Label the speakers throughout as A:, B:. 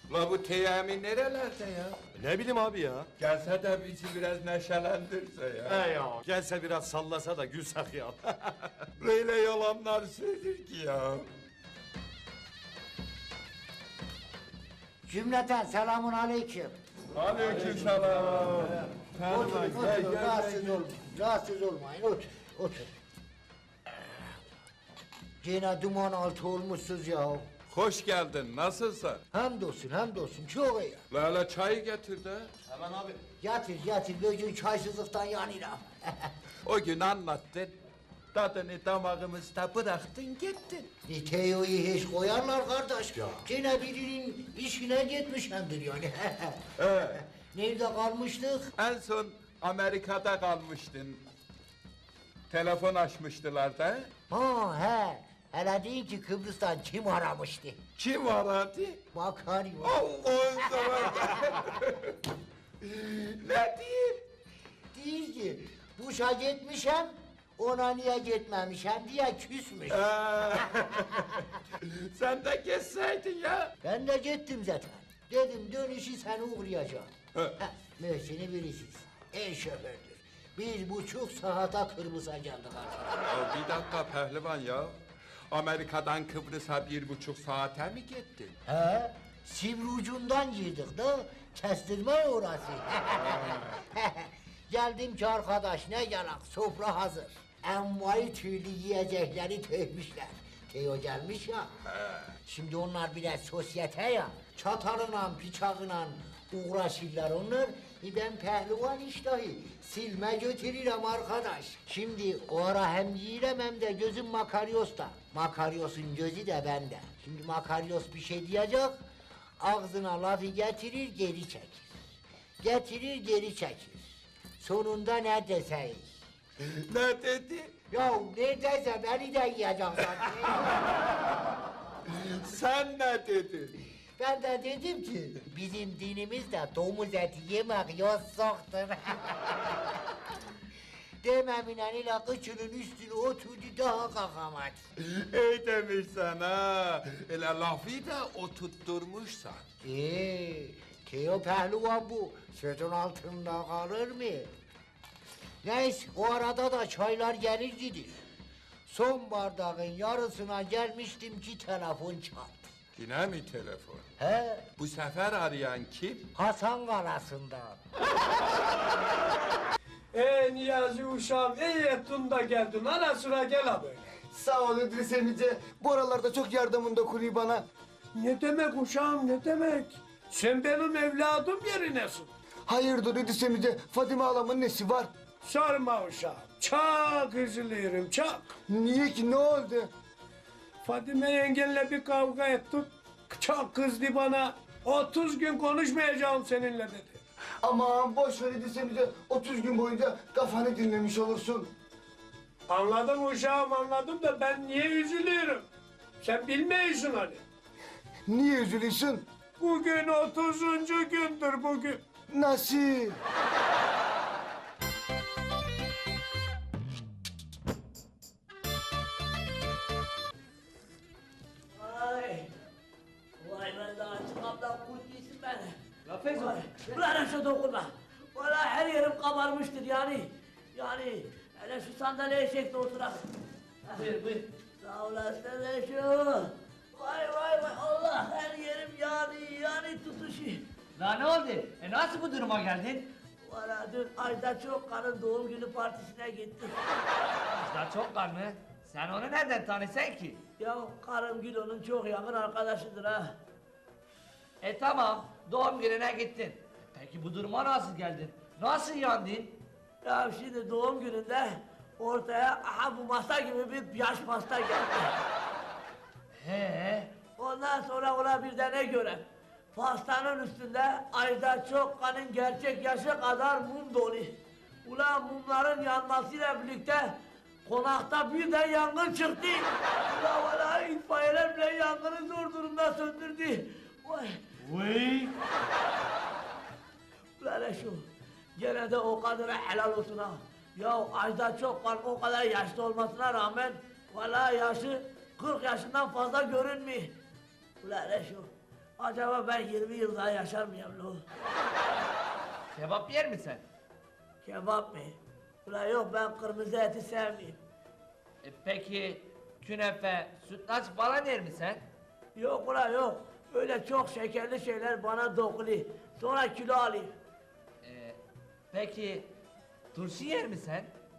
A: La bu Teyami nerelerde ya?
B: Ne bileyim abi ya.
A: Gelse de bizi biraz neşelendirse ya.
B: He ya. Gelse biraz sallasa da gülsek ya.
A: Böyle yalanlar söyler ki ya.
C: Cümleten selamun aleyküm.
A: Aleykümselam.
C: Oturun, oturun, rahatsız olmayın. Rahatsız olmayın, otur, otur. Yine duman altı olmuşsuz ya.
A: Hoş geldin, nasılsın?
C: Hamdolsun, hamdolsun, çok iyi.
A: Lala çayı getir de.
B: Hemen abi.
C: Yatır, yatır, bugün çaysızlıktan yanıram.
A: O gün anlattın. Tadını damağımızda bıraktın gittin.
C: Teo'yu hiç koyarlar kardeş. Yine birinin işine gitmişemdir yani. Nerede kalmıştık?
A: En son Amerika'da kalmıştın. Telefon açmıştılar da.
C: Ha he. Hele deyin ki Kıbrıs'tan kim aramıştı?
A: Kim aradı?
C: Makaryo.
A: Allah'ın seversen. Ne diyeyim?
C: Değil ki Buş'a gitmişem, ona niye gitmemişem diye küsmüş.
A: Sen de geçseydin ya.
C: Ben de gittim zaten. Dedim dönüşü seni uğrayacağım.
A: He.
C: Möhsin'i bilirsiniz. En şofördür. 1,5 saate Kıbrıs'a geldik artık.
A: Ya bir dakika pehlivan ya. Amerika'dan Kıbrıs'a 1,5 saate mi gittin?
C: He? Sivri ucundan girdik de kestirme orası. Geldim ki arkadaş ne yalan sofra hazır. Envai türlü yiyecekleri tökmüşler. Teo gelmiş ya. Şimdi onlar biraz sosyete ya. Çatarıyla, bıçağıyla uğraşırlar onlar. Ben pehlivan iştahı silme götürürüm arkadaş. Şimdi o ara hem yiyirem hem de gözüm Makaryos'ta. Makaryos'un gözü de bende. Şimdi Makaryos bir şey diyecek. Ağzına lafı getirir geri çekir. Getirir geri çekir. Sonunda ne deseyim?
A: Ne dedi?
C: Ya neredeyse beni de yiyecek sanki.
A: Sen ne dedin?
C: Ben de dedim ki bizim dinimizde domuz eti yemek yasakdır. Dememle ile kıçının üstüne oturdu daha kalkamadı.
A: İyi demişsen ha. Öyle lafı da oturtturmuşsan.
C: Teo pehlivan bu. Sözün altında kalır mı? Neyse o arada da çaylar gelir gidir. Son bardağın yarısına gelmiştim ki telefon çaldı.
A: Yine mi telefon?
C: He,
A: Bu sefer arayan kim?
C: Hasan Kalası'ndan.
D: Niyazi uşağım iyi ettin da geldin. Ara sıra gel ha böyle.
E: Sağ ol İdris emice. Bu aralarda çok yardımın dokunuyor bana.
D: Ne demek uşağım ne demek? Sen benim evladım yerinesin.
E: Hayırdır İdris emice? Fadime halamın nesi var?
D: Sorma uşağım. Çok üzülüyorum çok.
E: Niye ki ne oldu?
D: Fadime yengenle bir kavga ettik. Çok kızdı bana. 30 gün konuşmayacağım seninle dedi.
E: Aman boş ver İdris emice. 30 gün boyunca kafanı dinlemiş olursun.
D: Anladım uşağım anladım da ben niye üzülüyorum? Sen bilmiyorsun hani.
E: Niye üzülüyorsun?
D: Bugün 30. gündür bugün.
E: Nasıl?
F: Vay! Vay ben daha çıkamdan kurt yesin beni. La Feyzo. Ulan aşağı dokunma. Valla her yerim kabarmıştır yani. Yani hele şu sandalyeye çekti oturalım. Buyur buyur. Sağ olasın şu. Vay vay vay Allah her yerim yani tutuşuyor.
G: La ne oldu? Nasıl bu duruma geldin?
F: Valla dün Ajda Çokkan'ın doğum günü partisine gittik.
G: Ajda Çokkan mı? Sen onu nereden tanıyorsun ki?
F: Ya karım Gülo'nun çok yakın arkadaşıdır ha.
G: Tamam, doğum gününe gittin. Peki bu duruma nasıl geldin? Nasıl yandın?
F: Ya şimdi doğum gününde ortaya aha bu masa gibi bir yaş pasta geldi. Ondan sonra ona bir de ne göre? Pastanın üstünde Ajda Çokkan'ın gerçek yaşı kadar mum dolu. Ulan mumların yanmasıyla birlikte konakta birden yangın çıktı. Ulan vallahi itfaiyeler bile yangını zor durumda söndürdü. Vay.
G: Vay!
F: Ulan şu, gene de o kadına helal olsun ha. Ya Ajda Çokkan o kadar yaşlı olmasına rağmen vallahi yaşı 40 yaşından fazla görünmüyor. Ulan şu, Acaba ben 20 yıl daha yaşar mıyım lo?
G: Kebap yer misin?
F: Kebap mı? Ulan yok, ben kırmızı eti sevmiyorum.
G: Peki künefe, sütlaç falan yer misin?
F: Yok ulan yok. Öyle çok şekerli şeyler bana dokuluyor. Sonra kilo alayım.
G: Peki turşu yer misin?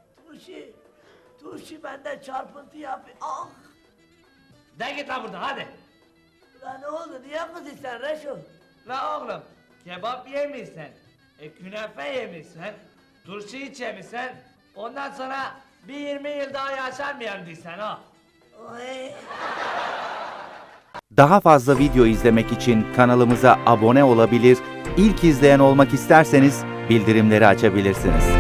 F: Turşu bende çarpıntı yapıyor. Ah!
G: De git lan buradan hadi.
F: Ulan ne oldu? Niye kızıyorsun sen Reşo?
G: La oğlum kebap yemişsin, künefe yemişsin, turşu hiç yemişsin. Ondan sonra bir 20 yıl daha yaşar mıyım diysen ha?
F: Oy!
H: Daha fazla video izlemek için kanalımıza abone olabilir, ilk izleyen olmak isterseniz bildirimleri açabilirsiniz.